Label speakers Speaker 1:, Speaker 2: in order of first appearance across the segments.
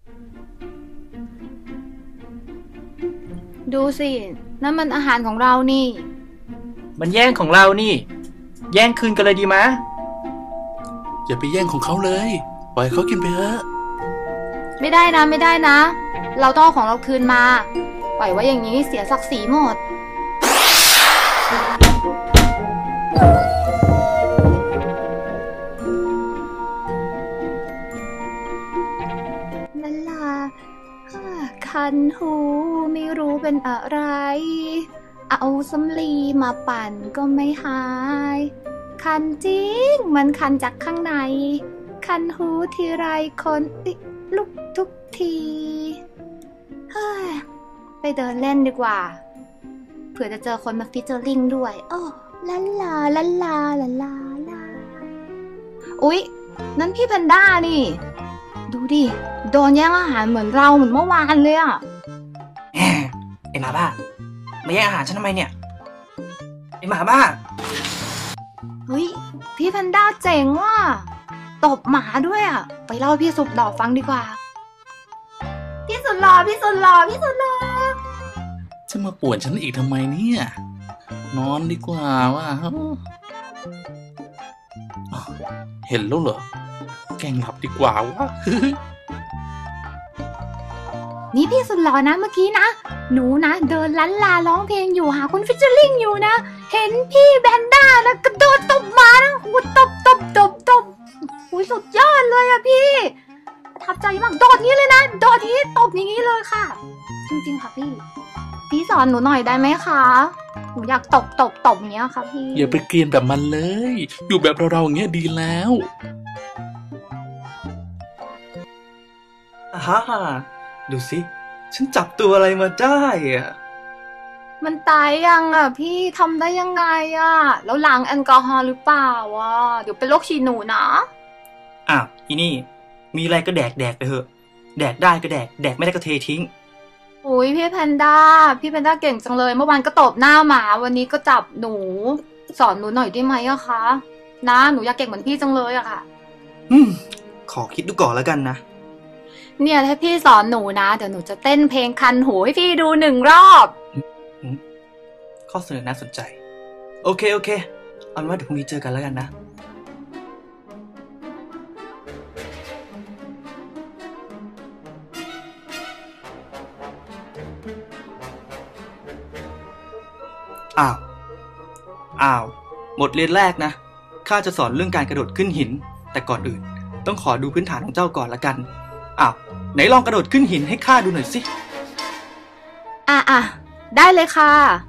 Speaker 1: ดูสินั่นมันอาหารของเรานี่
Speaker 2: มันแย่งของเรานี่แย่งคืนกันเลยดีมะ
Speaker 3: อย่าไปแย่งของเขาเลยปล่อยเขากินไปเถอะ
Speaker 1: ไม่ได้นะไม่ได้นะเราต้องเอาของเราคืนมาปล่อยไว้อย่างนี้เสียศักดิ์ศรีหมดนั่นล่ะคันหูไม่รู้เป็นอะไรเอาสำลีมาปั่นก็ไม่หายคันจริงมันคันจากข้างในคันหูทีไรคนลุกทุกทีเฮ้ยไปเดินเล่นดีกว่าเผื่อจะเจอคนมาฟิชเจอริงด้วยโอ้ลาลาลาลาลาลาลาอุ๊ยนั่นพี่แพนด้านี่ดูดิโดนแย่งอาหารเหมือนเราเหมือนเมื่อวานเลยอ่ะ
Speaker 2: ไอหมาบ้ามาแย่งอาหารฉันทำไมเนี่ยไอหมาบ้า
Speaker 1: เฮ้ยพี่แพนด้าเจ๋งว่ะตบหมาด้วยอ่ะไปเล่าพี่สุดหล่อฟังดีกว่าพี่สุดหล่อพี่สุดหล่อพี่สุดหล่อ
Speaker 3: จะมาป่วนฉันอีกทำไมเนี่ยนอนดีกว่าว่าเห็นแล้วเหรอแกล้งหลับดีกว่าวะ
Speaker 1: นี่พี่สุดหล่อนะเมื่อกี้นะหนูนะเดินลันลาร้องเพลงอยู่หาคนฟิชเจอริงอยู่นะเห็นพี่แพนด้าแล้วกระโดดตบหมานะหูตบหูสุดยอดเลยอะพี่ประทับใจมากโดดนี้เลยนะโดดนี้ตบอย่างนี้เลยค่ะจริงๆค่ะพี่สอนหนูหน่อยได้ไหมคะหนูอยากตบอย่างเงี้ยค่ะพี่
Speaker 3: อย่าไปเกรียนแบบมันเลยอยู่แบบเราอย่างเงี้ยดีแล้ว
Speaker 2: ฮ่าดูสิฉันจับตัวอะไรมาได้อะ
Speaker 1: มันตายยังอ่ะพี่ทำได้ยังไงอ่ะแล้วล้างแอลกอฮอล์หรือเปล่าอ่ะเดี๋ยวเป็นโรคฉี่หนูนะ
Speaker 2: อ้าวอีนี่มีอะไรก็แดกไปเถอะแดกได้ก็แดกไม่ได้ก็เททิ้ง
Speaker 1: อุ้ยพี่แพนด้าเก่งจังเลยเมื่อวานก็ตบหน้าหมาวันนี้ก็จับหนูสอนหนูหน่อยได้ไหมอะคะนะหนูอยากเก่งเหมือนพี่จังเลยอะค่ะ
Speaker 2: ขอคิดดูก่อนแล้วกันนะ
Speaker 1: เนี่ยถ้าพี่สอนหนูนะเดี๋ยวหนูจะเต้นเพลงคันหูให้พี่ดู1 รอบ
Speaker 2: ข้อเสนอน่าสนใจโอเคเอาเป็นว่าเดี๋ยวพรุ่งนี้เจอกันแล้วกันนะอ้าวบทเรียนแรกนะข้าจะสอนเรื่องการกระโดดขึ้นหินแต่ก่อนอื่นต้องขอดูพื้นฐานของเจ้าก่อนละกันไหนลองกระโดดขึ้นหินให้ข้าดูหน่อยสิ
Speaker 1: ได้เลยค่ะ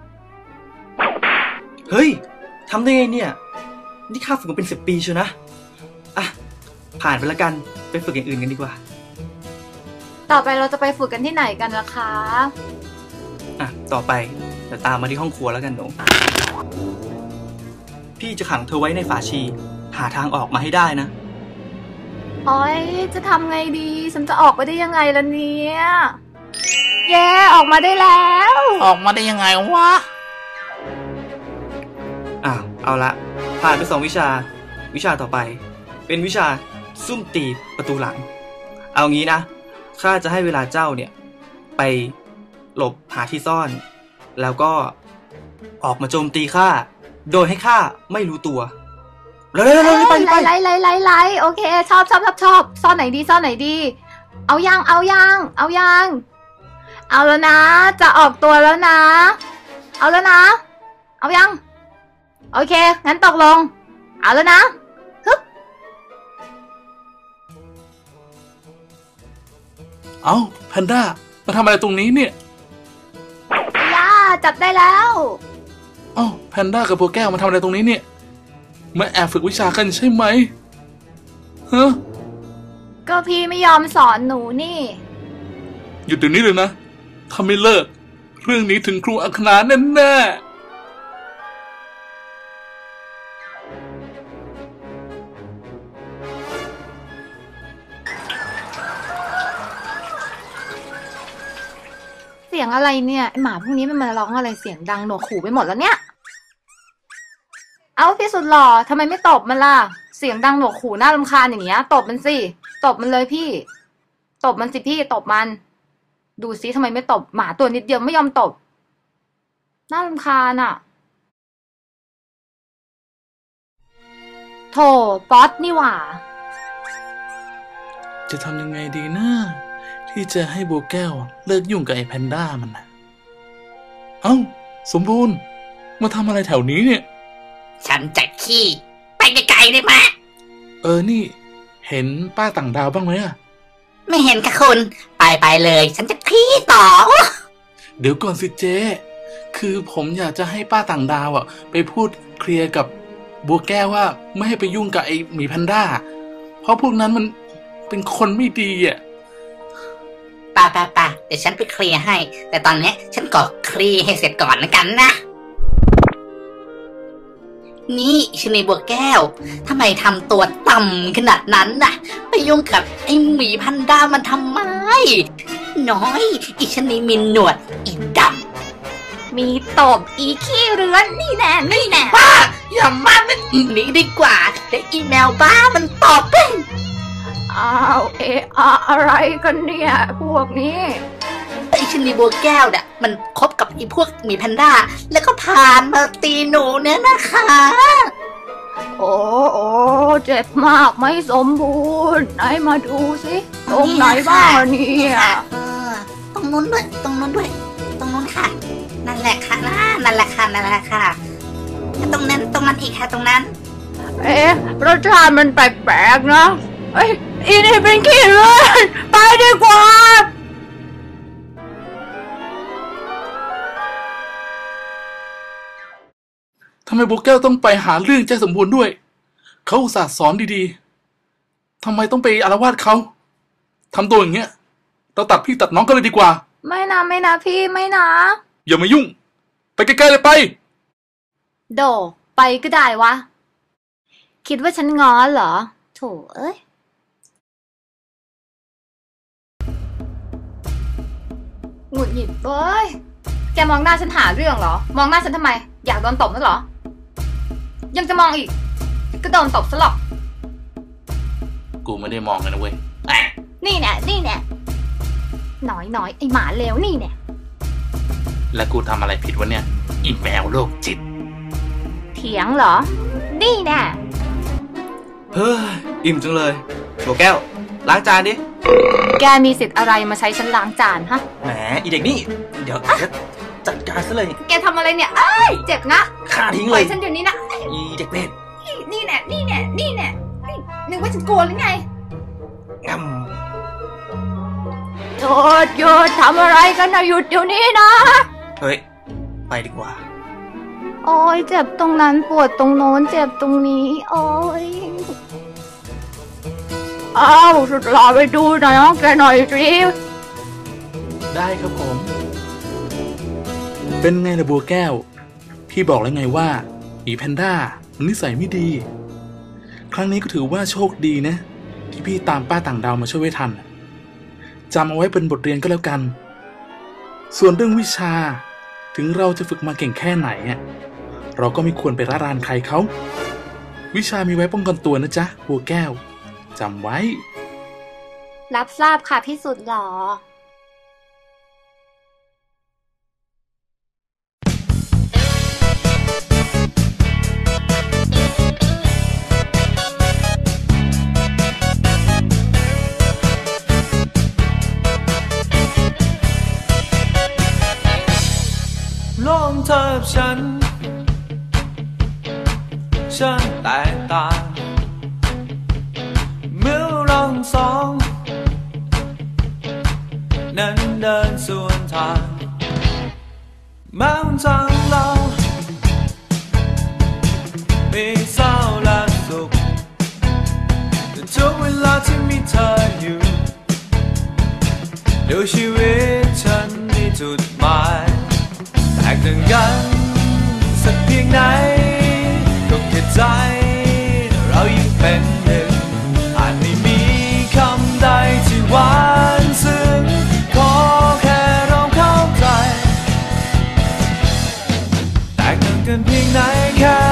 Speaker 2: เฮ้ยทำได้ไงเนี่ยนี่ข้าฝึกมาเป็น10 ปีเชียวนะผ่านไปละกันไปฝึกอย่างอื่นกันดีกว่า
Speaker 1: ต่อไปเราจะไปฝึกกันที่ไหนกันล่ะคะ
Speaker 2: ต่อไปเดี๋ยวตามมาที่ห้องครัวแล้วกันหนูพี่จะขังเธอไว้ในฝาชีหาทางออกมาให้ได้นะ
Speaker 1: โอ๊ยจะทำไงดีฉันจะออกไปได้ยังไงล่ะเนี่ยเย้ออกมาได้แล้ว
Speaker 3: ออกมาได้ยังไงวะ
Speaker 2: เอาละผ่านไป2 วิชาต่อไปเป็นวิชาซุ่มตีประตูหลังเอางี้นะข้าจะให้เวลาเจ้าเนี่ยไปหลบหาที่ซ่อนแล้วก็ออกมาโจมตีข้าโดยให้ข้าไม่รู้ตัว
Speaker 1: ไล่โอเคชอบซ่อนไหนดีเอายังเอาแล้วนะจะออกตัวแล้วนะเอาแล้วนะเอายังโอเคงั้นตกลงเอาแล้วนะฮึบ
Speaker 3: เอาแพนด้ามาทำอะไรตรงนี้เนี่ย
Speaker 1: จับได้แล้ว
Speaker 3: แพนด้ากับโบแก้วมาทำอะไรตรงนี้เนี่ยมาแอบฝึกวิชากันใช่ไหมฮะ
Speaker 1: ก็พี่ไม่ยอมสอนหนูนี่
Speaker 3: หยุดเดี๋ยวนี้เลยนะถ้าไม่เลิกเรื่องนี้ถึงครูอัคนาแน่
Speaker 1: เสียงอะไรเนี่ยไอหมาพวกนี้มันมาร้องอะไรเสียงดังหนวกหูไปหมดแล้วเนี่ยเอาพี่สุดหล่อทำไมไม่ตบมันล่ะเสียงดังหนวกหูน่ารำคาญอย่างเงี้ยตบมันสิตบมันเลยพี่ตตบมันสิพี่ตบมันดูซิทำไมไม่ตบหมาตัวนิดเดียวไม่ยอมตบน่ารำคาญอ่ะโถป๊อตนี่หว่า
Speaker 3: จะทำยังไงดีนะที่จะให้บัวแก้วเลิกยุ่งกับไอ้แพนด้ามันนะเอ้าสมบูรณ์มาทำอะไรแถวนี้เนี่ย
Speaker 4: ฉันจะขี้ไปไกลๆได้ไหม
Speaker 3: นี่เห็นป้าต่างดาวบ้างไหมอะ
Speaker 4: ไม่เห็นค่ะคุณไปเลยฉันจะขี้ต่อ
Speaker 3: เดี๋ยวก่อนสิเจ๊คือผมอยากจะให้ป้าต่างดาวอ่ะไปพูดเคลียร์กับบัวแก้วว่าไม่ให้ไปยุ่งกับไอ้หมีแพนด้าเพราะพวกนั้นมันเป็นคนไม่ดีอ่ะ
Speaker 4: ป่าเดี๋ยวฉันไปเคลียร์ให้แต่ตอนนี้ฉันก็เคลียร์ให้เสร็จก่อนนะกันนะนี่ชนีบัวแก้วทำไมทำตัวต่ำขนาดนั้นน่ะไปยุ่งกับไอ้หมีแพนด้ามันทำไมน้อยอีชนีมีหนวดอีดำ
Speaker 1: มีตบอีขี้เรือนนี่แน่
Speaker 4: ป้าอย่ามามันหนีดีกว่าเดี๋ยวอีแมวบ้ามันตอบ
Speaker 1: อ้าวอะไรกันเนี่ยพวกนี้
Speaker 4: ไอ้ชนีบัวแก้วเนี่ยมันคบกับไอ้พวกหมีแพนด้าแล้วก็ผ่านมาตีหนูเนี่ยนะคะ
Speaker 1: โอ้เจ็บมากไม่สมบูรณ์ไหนมาดูสิตรงไหนบ้างเนี่ย
Speaker 4: ตรงนู้นด้วยตรงนู้นค่ะนั่นแหละค่ะนั่นแหละค่ะตรงนั้นอีกค่ะตรงนั้น
Speaker 1: รสชาติมันแปลกๆนะอีนี่เป็นขี้เลือดไปดีกว่า
Speaker 3: ทำไมบัวแก้วต้องไปหาเรื่องเจ๊สมบูรณ์ด้วยเขาอุตส่าห์สอนดีๆทำไมต้องไปอาละวาดเขาทำตัวอย่างเงี้ยเราตัดพี่ตัดน้องกันเลยดีกว่า
Speaker 1: ไม่นะพี่ไม่นะ
Speaker 3: อย่ามายุ่งไปใกล้ๆเลยไป
Speaker 1: โดไปก็ได้วะคิดว่าฉันง้อเหรอโถเอ้ยหงุดหงิดเว้ยแกมองหน้าฉันหาเรื่องเหรอมองหน้าฉันทำไมอยากโดนตบมั้ยเหรอยังจะมองอีกก็โดนตบซะหรอก
Speaker 3: กูไม่ได้มองเลยนะเว้ย
Speaker 1: นี่แน่หน่อยไอหมาเลวนี่เนี่ย
Speaker 3: แล้วกูทำอะไรผิดวะเนี่ยอีแมวโรคจิต
Speaker 1: เถียงเหรอนี่แน่
Speaker 2: เฮ้ยอิ่มจังเลยบัวแก้วล้างจานดิ
Speaker 1: แกมีสิทธิ์อะไรมาใช้ฉันล้างจานฮะ
Speaker 2: แหมอีเด็กนี่เดี๋ยวจัดการซะเลย
Speaker 1: แกทำอะไรเนี่ยเจ็บนะ
Speaker 2: ฆ่าทิ้งเลย
Speaker 1: ฉันเดี๋ยวนี้นะ
Speaker 2: อีเด็กเบ็ด
Speaker 1: นี่แน่นึกว่าฉันโกรธหรือไงหยุดทำอะไรกันนะหยุดเดี๋ยวนี้นะ
Speaker 2: เฮ้ยไปดีกว่า
Speaker 1: โอ้ยเจ็บตรงนั้นปวดตรงโน้นเจ็บตรงนี้โอ้ยสุดหล่อไปดูหน่อยแกหน่อยสิ
Speaker 3: ได้ครับผมเป็นไงล่ะบัวแก้วพี่บอกแล้วไงว่าหมีแพนด้ามันนิสัยไม่ดีครั้งนี้ก็ถือว่าโชคดีนะที่พี่ตามป้าต่างดาวมาช่วยไว้ทันจำเอาไว้เป็นบทเรียนก็แล้วกันส่วนเรื่องวิชาถึงเราจะฝึกมาเก่งแค่ไหนเราก็ไม่ควรไปละลานใครเขาวิชามีไว้ป้องกันตัวนะจ๊ะบัวแก้วจำไว้
Speaker 1: รับทราบค่ะพี่สุดหล่อ
Speaker 5: โลกเธอกับฉันแตกต่างเมื่อเราสองนั้นเดินสวนทางแม้วันทางเรามีเศร้าและสุขแต่ทุกเวลาที่มีเธออยู่ดูชีวิตฉันมีจุดหมายแตกต่างกันสักเพียงไหนก็แค่ใจเรายังเป็นหนึ่งอาจไม่มีคำใดที่หวานซึ้งขอแค่เราเข้าใจแตกต่างกันเพียงไหนแค่